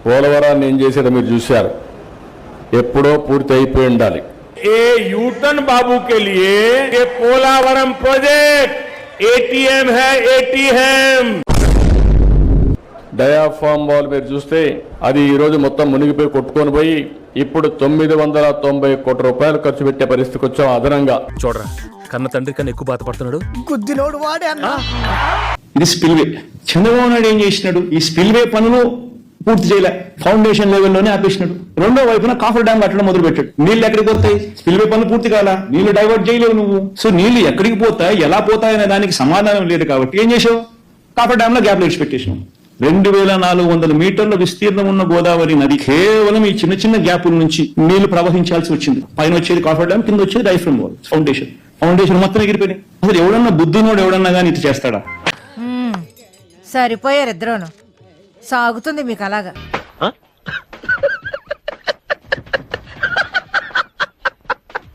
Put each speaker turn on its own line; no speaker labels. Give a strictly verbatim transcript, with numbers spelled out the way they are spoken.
పోలవరాన్ని ఏం చేసేదో మీరు చూశారు, ఎప్పుడో పూర్తి అయిపోయి ఉండాలి.
ఏ యూటన్ బాబు के लिए ये पोलावरम प्रोजेक्ट एटीएम है एटीएम
డయాఫామ్ వాల్ మీరు చూస్తే అది ఈ రోజు మొత్తం మునిగిపోయి కొట్టుకొని పోయి ఇప్పుడు తొమ్మిది వందల తొంభై కోట్ల రూపాయలు ఖర్చు పెట్టే పరిస్థితికి వచ్చాం. అదనంగా
చూడరా, కన్న తండ్రి కన్నా ఎక్కువ బాధపడుతున్నాడు.
గుద్దినోడు వాడే అన్నా.
ఇది స్పిల్వే. చంద్రబాబు నాయుడు ఏం చేసినాడు? ఈ స్పిల్వే పనులు పూర్తి చేయలే, ఫౌండేషన్ లెవెల్లోనే ఆపేసినాడు. రెండో వైపున కాఫర్ డ్యామ్ కట్టడం మొదలు పెట్టాడు. నీళ్లు ఎక్కడికి పోతాయి? స్పిల్వే పనులు పూర్తి కాలా, నీళ్లు డైవర్ట్ చేయలేవు నువ్వు. సో నీళ్లు ఎక్కడికి పోతాయి, ఎలా పోతాయి అనే దానికి సమాధానం లేదు. కాబట్టి ఏం చేసావు? కాఫర్ డ్యామ్ లో గ్యాప్ లైట్స్ పెట్టేసావు. రెండు వేల నాలుగు వందల మీటర్ల విస్తీర్ణం ఉన్న గోదావరి నది కేవలం ఈ చిన్న చిన్న గ్యాపుల నుంచి నీళ్లు ప్రవహించాల్సి వచ్చింది. పైన వచ్చేది కాఫర్ డ్యామ్, కింద వచ్చేది డైఫ్రమ్ వాల్, ఫౌండేషన్ ఫౌండేషన్ మొత్తం ఎగిరిపోయినాయి. అసలు ఎవడన్నా బుద్ధినోడు ఎవడన్నా కానీ ఇది చేస్తాడా?
సరిపోయారు ఇద్దరును. సాగుతుంది మీకు అలాగా.